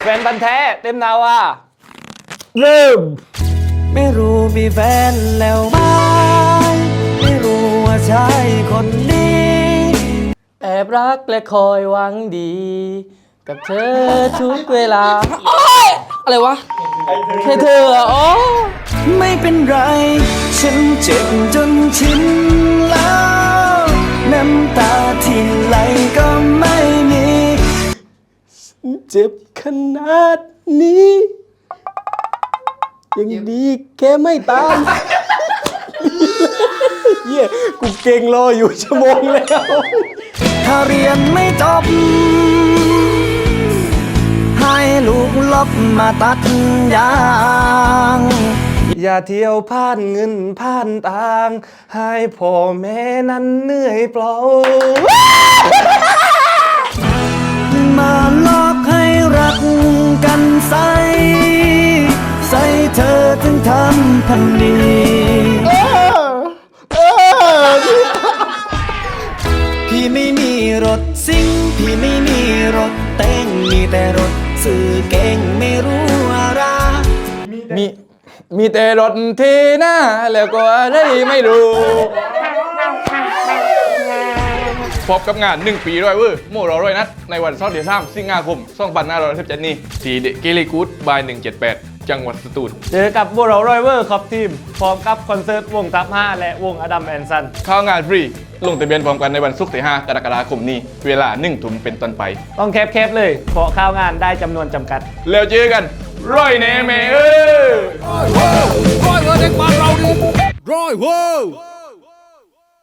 ฟนพันธุ์แท้เต็มนาวาเริ่มไม่รู้มีแฟนแล้วไหมไม่รู้ว่าใช่คนนี้แอบรักและคอยหวังดี กับเธอทุกเวลาอะไรวะแค่เธอโอ้ไม่เป็นไรฉันเจ็บจนชินแล้วน้ำตาที่ไหลก็ไม่มีเจ็บขนาดนี้ยังดีแค่ไม่ตามเหี้ยกูเก่งรออยู่ชั่วโมงแล้วถ้าเรียนไม่จบให้ลูกลบมาตัดยางอย่าเที่ยวผ่านเงินผ่านทางให้พ่อแม่นั้นเหนื่อยเปล่ามาหลอกให้รักกันใส่เธอถึงทำพันนี้พี่ไม่มีรถซิ่งพี่ไม่มีรถเต้งมีแต่รถสื่อเก่งไม่รู้อะไรมีแต่รถที่หน้าแล้วก็อะไรไม่รู้พบกับงาน1 ปีร้อยเวอร์โมเราร้อยนัดในวันเสาร์ที่3 สิงหาคม 2517 นี้ที่เดกิลิกูดบาย 178 จังหวัดสตูลเจอกับโมเราร้อยเวอร์ครับทีมพร้อมกับคอนเสิร์ตวงทัพ5และวงอดัมแอนซันเข้างานฟรีลงทะเบียนพร้อมกันในวันศุกร์ที่ 5 กรกฎาคมนี้เวลา 1 ทุ่มเป็นต้นไปต้องแคบเลยเพราะข้าวงานได้จำนวนจำกัดแล้วเจอกันร้อยแน่เมร้อยเวอร์เด็กบ้านเราดิร้อยเวอร์